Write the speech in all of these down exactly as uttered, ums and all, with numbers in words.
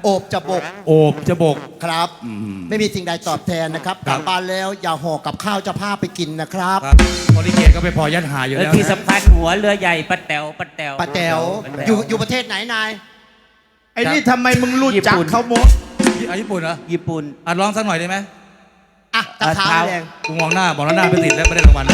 โอบจะบกโอบจะบกครับไม่มีสิ่งใดตอบแทนนะครับกลับบ้านแล้วอย่าห่อกับข้าวจะพาไปกินนะครับบริเกตก็ไปพอยัดหาอยู่แล้วที่สำคัญหัวเรือใหญ่ปะแต๋วปะแต๋วปะแต๋วอยู่อยู่ประเทศไหนนายไอ้นี่ทำไมมึงรู้จักเขาหมดญี่ปุ่นเหรอญี่ปุ่นอ่ะร้องสักหน่อยได้ไหมอ่ะตะเท้าแดงกูมองหน้าบอกแล้วหน้าไปติดแล้วไม่ได้รางวัล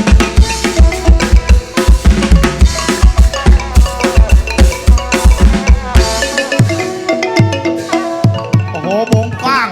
โอ้โหวงกว้าง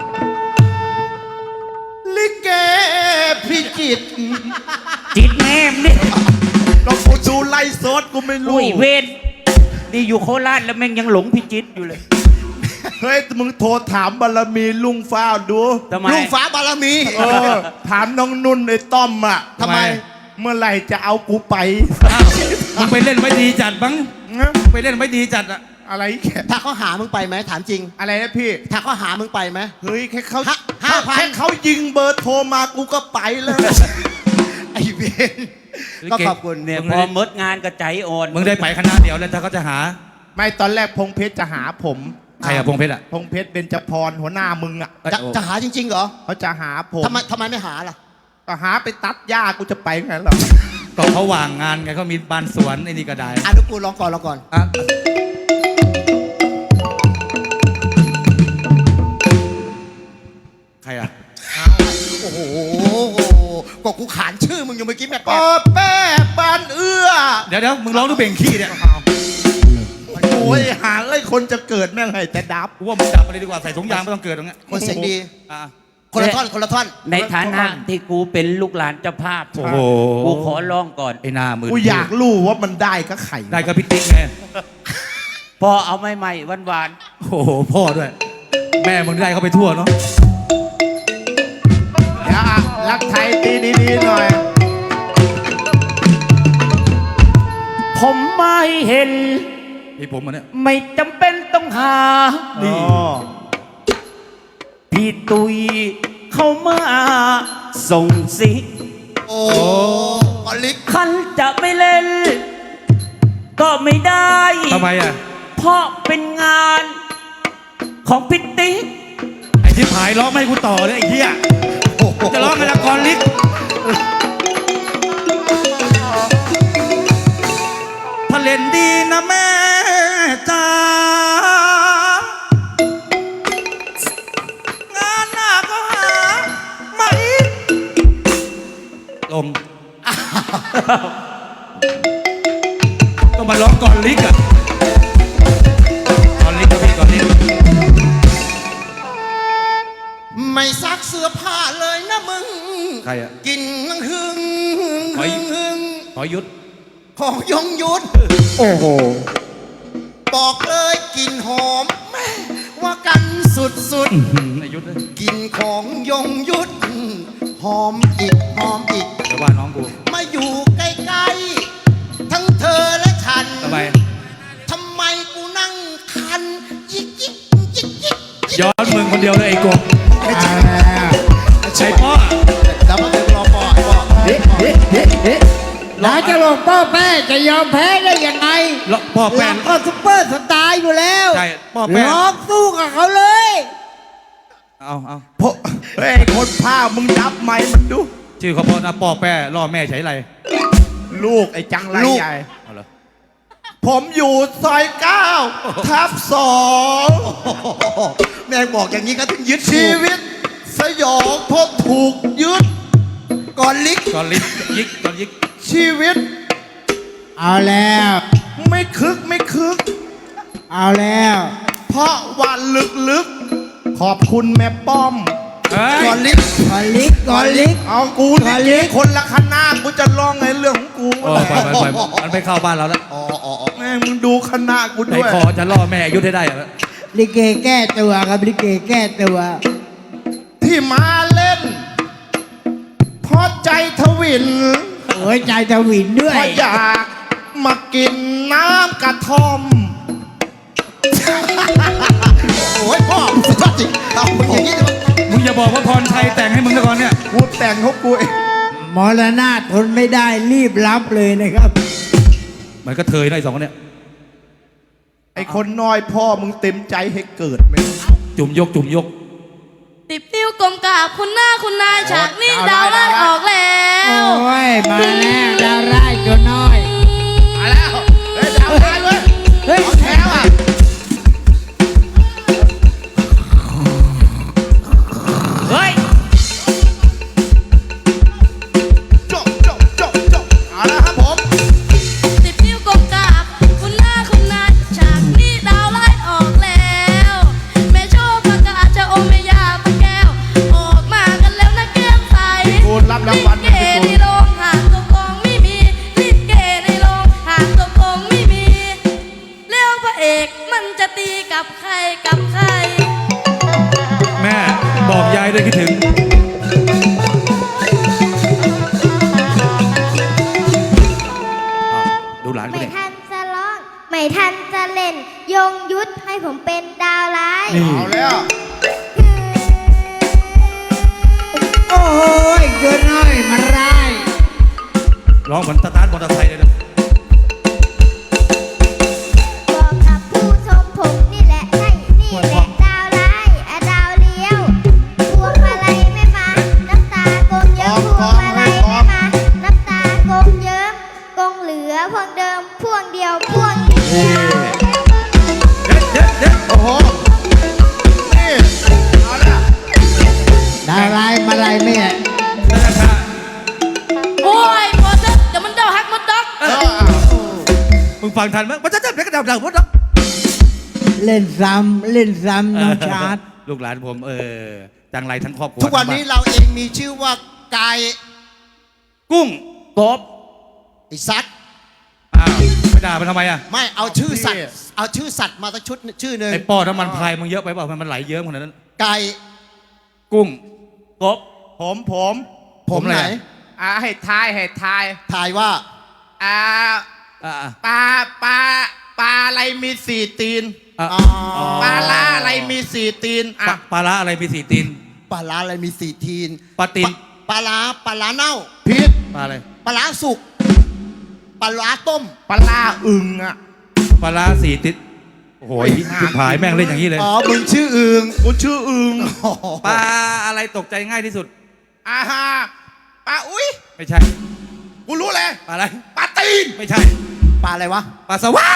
ลิเกพิจิตจิตแม่มนี่ลองกูดูไล่สดกูไม่รู้อุ้ยเวนนี่อยู่โคราชแล้วแม่งยังหลงพิจิตอยู่เลยเฮ้ยมึงโทรถามบารมีลุงฟ้าดูลุงฟ้าบารมีเออถามน้องนุ่นไอ้ต้อมอ่ะทำไมเมื่อไหร่จะเอากูไปมึงไปเล่นไม่ดีจัดบ้างไปเล่นไม่ดีจัดอะอะไรแค่ถ้าเขาหามึงไปไหมถามจริงอะไรนะพี่ถ้าเขาหามึงไปไหมเฮ้ยแค่เขาห้าพันแค่เขายิงเบอร์โทรมากูก็ไปแล้วไอ้เวนก็ขอบคุณเนี่ยพอมดงานก็ใจอ่อนมึงได้ไปคณะเดียวแล้วถ้าเขาจะหาไม่ตอนแรกพงเพชรจะหาผมใครอะพงเพชรอะพงเพชรเบญจพรหัวหน้ามึงอะจะจะหาจริงๆเหรอเขาจะหาผมทำไมทำไมไม่หาล่ะก็หาไปตัดหญ้ากูจะไปไงหรอก็เขาว่างงานไงเขามีบ้านสวนไอ้นี่ก็ได้อ่ะลูกกูลองก่อนลองก่อนอ่ะใครอะโอ้โหก็กูขานชื่อมึงอยู่เมื่อกี้แม่ปอแป้บานเอื้อเดี๋ยวเดี๋ยวมึงร้องดูเบ่งขี้เนี่ยโอ้ยหาเลยคนจะเกิดแม่งไงแต่ดับว่ามึงดับไปเลยดีกว่าใส่ถุงยางไม่ต้องเกิดตรงนี้คนเสียงดีคนละท่อนคนละท่อนในฐานะที่กูเป็นลูกหลานเจ้าภาพโอ้โหกูขอร้องก่อนไอ้หน้ามือกูอยากรู้ว่ามันได้ก็ไข่ได้ก็พิติ๊กไงพ่อเอาไม่ใหม่หวานๆโอ้โหพ่อด้วยแม่มึงได้เขาไปทั่วเนาะเดี๋ยวรักไทยตีดีๆหน่อยผมไม่เห็นพี่ผมมันเนี่ยไม่จำเป็นต้องหานี่พี่ตุยเข้ามาส่งสิโอ้อลิกคันจะไม่เล่นก็ไม่ได้ทำไมอ่ะเพราะเป็นงานของพิติ๊กไอ้ที่ผายร้องไม่ให้กูต่อเลยไอ้เหี้ยจะร้องไงละกรลิกถ้าเล่นดีนะแม่จ้างานหน้าก็หามาอีกลมต้องมาร้องก่อนลิกอะก่อนลิกกับพี่ก่อนลิกไม่ซักเสื้อผ้าเลยนะมึงใครอะกินหึงหึงหอยหอยยุดของยงยุดโอ้โหบอกเลยกินหอมแม่ว่ากันสุดสุดกินของยงยุดหอมอีกหอมอีกเดี๋ยวว่าน้องกูมาอยู่ใกล้ๆทั้งเธอและฉันทำไมทำไมกูนั่งคันยิกยิกยิกยิกย้อนมึงคนเดียวเลยไอ้กบใช่พ่อแล้วมาเป็นรอปอไอ้ปอเฮ้เฮ้เฮ้เฮ้น้าจะบอกพ่อแม่จะยอมแพ้ได้ยังไงพ่อแม่ก็ซุปเปอร์สตาร์อยู่แล้วใช่พ่อแม่ร้องสู้กับเขาเลยเอาเอาพ่อเฮ้ยคนผ้ามึงดับไหมมันดูชื่อเขาพ่อนะพ่อแป้ล่อแม่ใช้ไรลูกไอ้จังไรใหญ่ผมอยู่ซอยเก้าทับสองแม่บอกอย่างนี้ก็ถึงยึดชีวิตสยองเพราะถูกยึดก่อนลิกก่อนลิกยิกก่อนยิกชีวิตเอาแล้วไม่คึกไม่คึกเอาแล้วเพราะวันลึกๆขอบคุณแม่ป้อมก่อนลิกก่อนลิกก่อนลิกเอากูนี่คนละคณะกูจะร้องในเรื่องของกูปล่อยปล่อยมันไปเข้าบ้านเราแล้วอ๋ออ๋อแม่มึงดูคณะกูด้วยไอ้คอจะล่อแม่ยุดให้ได้เหรอลิเกแก้ตัวครับลิเกแก้ตัวที่มาเล่นพอใจทวินโอ้ยใจทวินด้วยพออยากมากินน้ำกระท่อมโอ้ยพ่อสุดยอดจริงเอามึงอย่างนี้เลยมึงอย่าบอกว่าพรชัยแต่งให้มึงนะก่อนเนี่ยกูแต่งเขากูเองมรณะทนไม่ได้รีบรับเลยนะครับมันก็เทยนะไอ้สองคนเนี่ยไไอ้คนน้อยพ่อมึงเต็มใจให้เกิดไหมจุ่มยกจุ่มยกติบติ้วกลมกราบคุณหน้าคุณนายฉากนี้ดาวไล่ออกแล้วโอ้ย มาแล้วดาวร้ายตัวน้อยมาแล้วเฮ้ยดาวตายเว้ยเฮ้ยเอาแถวอ่ะเฮ้ยจบจบจบจบเอาละครับผมติบติ้วกลมกราบคุณหน้าคุณนายฉากนี้ดาวไล่ออกแล้วแม่โชคประกาศจะโอเมยาปะแก้วออกมากันแล้วนะแก้มใสกูรับรางวัลลิเกในโรงหางตัวกองไม่มีลิเกในโรงหางตัวกองไม่มีแล้วพระเอกมันจะตีกับใครกับใครแม่บอกยายด้วยคิดถึงอ้าวดูหลานกูไม่เนี่ยทันจะร้อง ไม่ทันจะเล่น ยงยุทธให้ผมเป็นดาวร้ายเอาแล้วโอ้ยตัวน้อยมาร้ายร้องเหมือนสตาร์ทมอเตอร์ไซค์เลยนะบอกกับผู้ชมผมนี่แหละใช่นี่แหละดาวร้ายอะดาวเลี้ยว พวงมาลัยไม่มา น้ำตากงเยิ้มพวงมาลัยไม่มา น้ำตากงเยิ้มกงเหลือพวงเดิมพวงเดียวพวงเดียวเด็ดเด็ดเด็ดโอ้โหนี่เอาละดาวร้ายมาลายแม่นั่นแหละค่ะโอ้ยพอเถอะเดี๋ยวมันเดาฮักมันด็อกเออมึงฟังทันไหมมันจะจะเด็กกระดับดังหมดแล้วเล่นซ้ำเล่นซ้ำน้องชาร์ตลูกหลานผมเออจังไรทั้งครอบครัวทุกวันนี้เราเองมีชื่อว่าไก่กุ้งกบไอ้สัตว์อ้าวไม่ด่ามันทำไมอ่ะไม่เอาชื่อสัตว์ เอาชื่อสัตว์มาสักชุดชื่อหนึ่งไอ้ปอน้ำมันพายมึงเยอะไปเปล่ามันไหลเยิ้มขนาดนั้นไก่กุ้งกบผมผมผมไหนอ่าให้ทายให้ทายถ่ายว่าอ่าอ่าปลาปลาปลาอะไรมีสี่ตีนอ่าอ๋อปลาล่าอะไรมีสี่ตีนปลาอ่ะปลาร้าอะไรมีสี่ตีนปลาร้าอะไรมีสี่ทีนปลาตีนปลาร้าปลาร้าเน่าพิษปลาอะไรปลาร้าสุก ปลาร้าต้มปลาล่าอึงอ่ะปลาร้าสี่ติดโอ้โหชิบหายแม่งเล่นอย่างนี้เลยอ๋อ มึงชื่ออึงกูชื่ออึงปลาอะไรตกใจง่ายที่สุดอ่าฮะปลาอุ้ยไม่ใช่กูรู้เลยปลาอะไรปลาตีนไม่ใช่ปลาอะไรวะปลาสวาย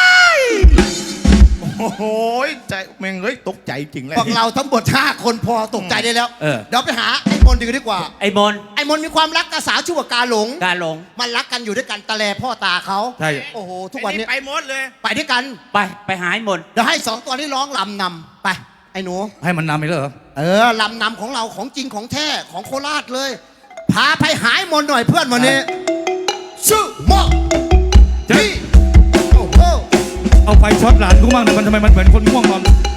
โอ้โหใจแม่งเฮ้ยตกใจจริงเลยพวกเราทั้งหมดห้าคนพอตกใจได้แล้วเออเดี๋ยวไปหาไอ้มนต์ดีกว่าดีกว่าไอ้มนไอ้มนต์มีความรักกับสาวชื่อว่ากาหลงกาหลงมันรักกันอยู่ด้วยกันตะแลพ่อตาเขาใช่โอ้โห ทุกวันนี้ไปหมดเลยไปด้วยกันไปไปหาไอ้มนเดี๋ยวให้สองตัวนี้ร้องลำนำไป ไอ้หนูให้มันนำไปเลยเหรอเออลำนำของเราของจริงของแท้ของโคราชเลย พาไปหายมนต์หน่อยเพื่อนวันนี้ชื่อหมอเจ๊พี่โอ้โหเอาไฟช็อตหลานกูบ้างหน่อยมันทำไมมันเหมือนคนง่วงนอน